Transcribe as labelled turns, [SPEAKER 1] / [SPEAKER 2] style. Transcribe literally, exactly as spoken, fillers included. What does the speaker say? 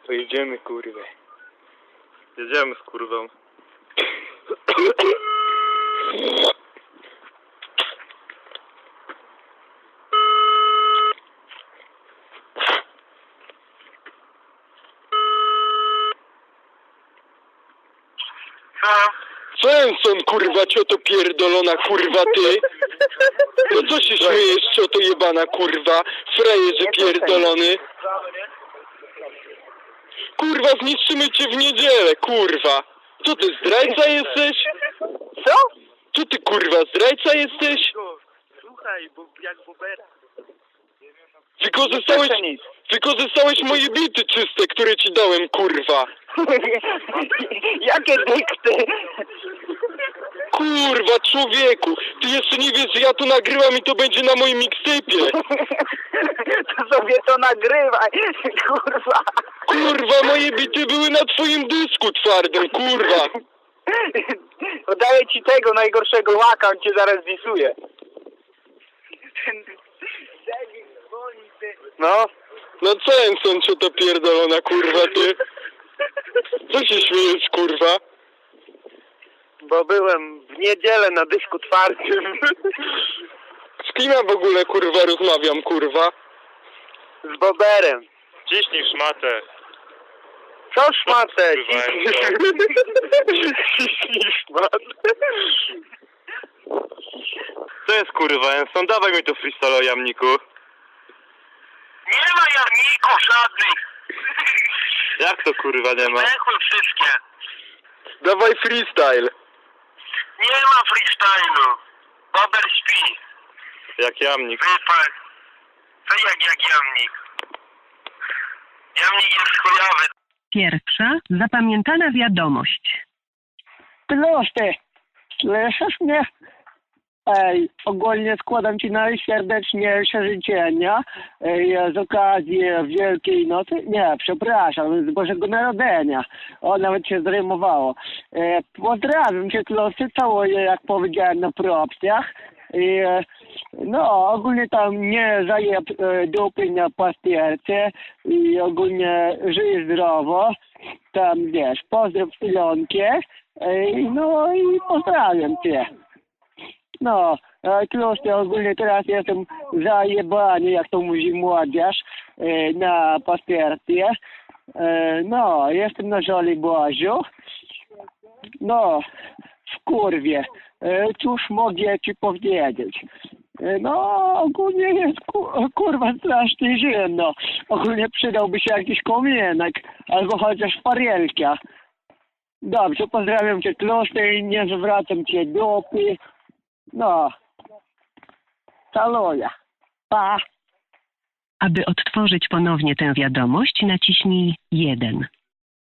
[SPEAKER 1] To jedziemy, kurwę.
[SPEAKER 2] Jedziemy z kurwą.
[SPEAKER 1] Svensson, kurwa, cioto pierdolona, kurwa, ty. No co się śmiejesz, cioto jebana, kurwa, frajerze pierdolony. Kurwa, zniszczymy cię w niedzielę, kurwa. Co ty, zdrajca jesteś?
[SPEAKER 3] Co?
[SPEAKER 1] Co ty, kurwa, zdrajca jesteś?
[SPEAKER 2] Słuchaj, bo jak bobera.
[SPEAKER 1] Wykorzystałeś, wykorzystałeś moje bity czyste, które ci dałem, kurwa.
[SPEAKER 3] Jakie dykty?
[SPEAKER 1] Kurwa, człowieku, ty jeszcze nie wiesz, że ja to nagrywam i to będzie na moim mixtape'ie.
[SPEAKER 3] To sobie to nagrywaj, kurwa.
[SPEAKER 1] Kurwa, moje bity były na twoim dysku twardym, kurwa.
[SPEAKER 3] Podaję ci tego najgorszego łaka, on cię zaraz zwisuje.
[SPEAKER 1] No? No co, Enson, co to pierdolona, kurwa, ty? Co się śmiejesz, kurwa?
[SPEAKER 3] Bo byłem w niedzielę na dysku twardym.
[SPEAKER 1] Z kim ja w ogóle, kurwa, rozmawiam, kurwa?
[SPEAKER 3] Z Boberem.
[SPEAKER 2] Ciśnij szmatę.
[SPEAKER 3] Co szmatę?
[SPEAKER 2] Ciśnij szmatę. Co jest kurwa, Enson? Dawaj mi to freestyle o jamniku.
[SPEAKER 4] Nie ma jamników żadnych.
[SPEAKER 2] Jak to kurwa nie ma?
[SPEAKER 4] Zdechły wszystkie.
[SPEAKER 1] Dawaj freestyle.
[SPEAKER 4] Nie ma freestylu. Bober śpi.
[SPEAKER 2] Jak jamnik.
[SPEAKER 4] Wypal. Co jak jak jamnik? Jamnik jest chujowy.
[SPEAKER 5] Pierwsza zapamiętana wiadomość.
[SPEAKER 3] Proste. Słyszysz mnie? Ej, ogólnie składam ci najserdeczniejsze życzenia ej, z okazji Wielkiej Nocy. Nie, przepraszam, z Bożego Narodzenia. O, nawet się zrymowało. E, pozdrawiam cię, Klosy, całuję, jak powiedziałem, na propsjach. I, e, no, ogólnie tam nie zajeb e, dupy na pastierce i ogólnie żyj zdrowo. Tam, wiesz, pozdrow Ilonkę. Ej, no i pozdrawiam cię. No, Klosy, ogólnie teraz jestem zajebany, jak to mówi młodzież, e, na pastierce. E, no, jestem na Żoliborzu. No, w kurwie. E, cóż mogę ci powiedzieć? E, no, ogólnie jest ku, kurwa strasznie zimno. Ogólnie przydałby się jakiś komienek, albo chociaż farielka. Dobrze, pozdrawiam cię, Klosy, i nie zwracam cię dupy. No, caluję. Pa.
[SPEAKER 5] Aby odtworzyć ponownie tę wiadomość, naciśnij jeden.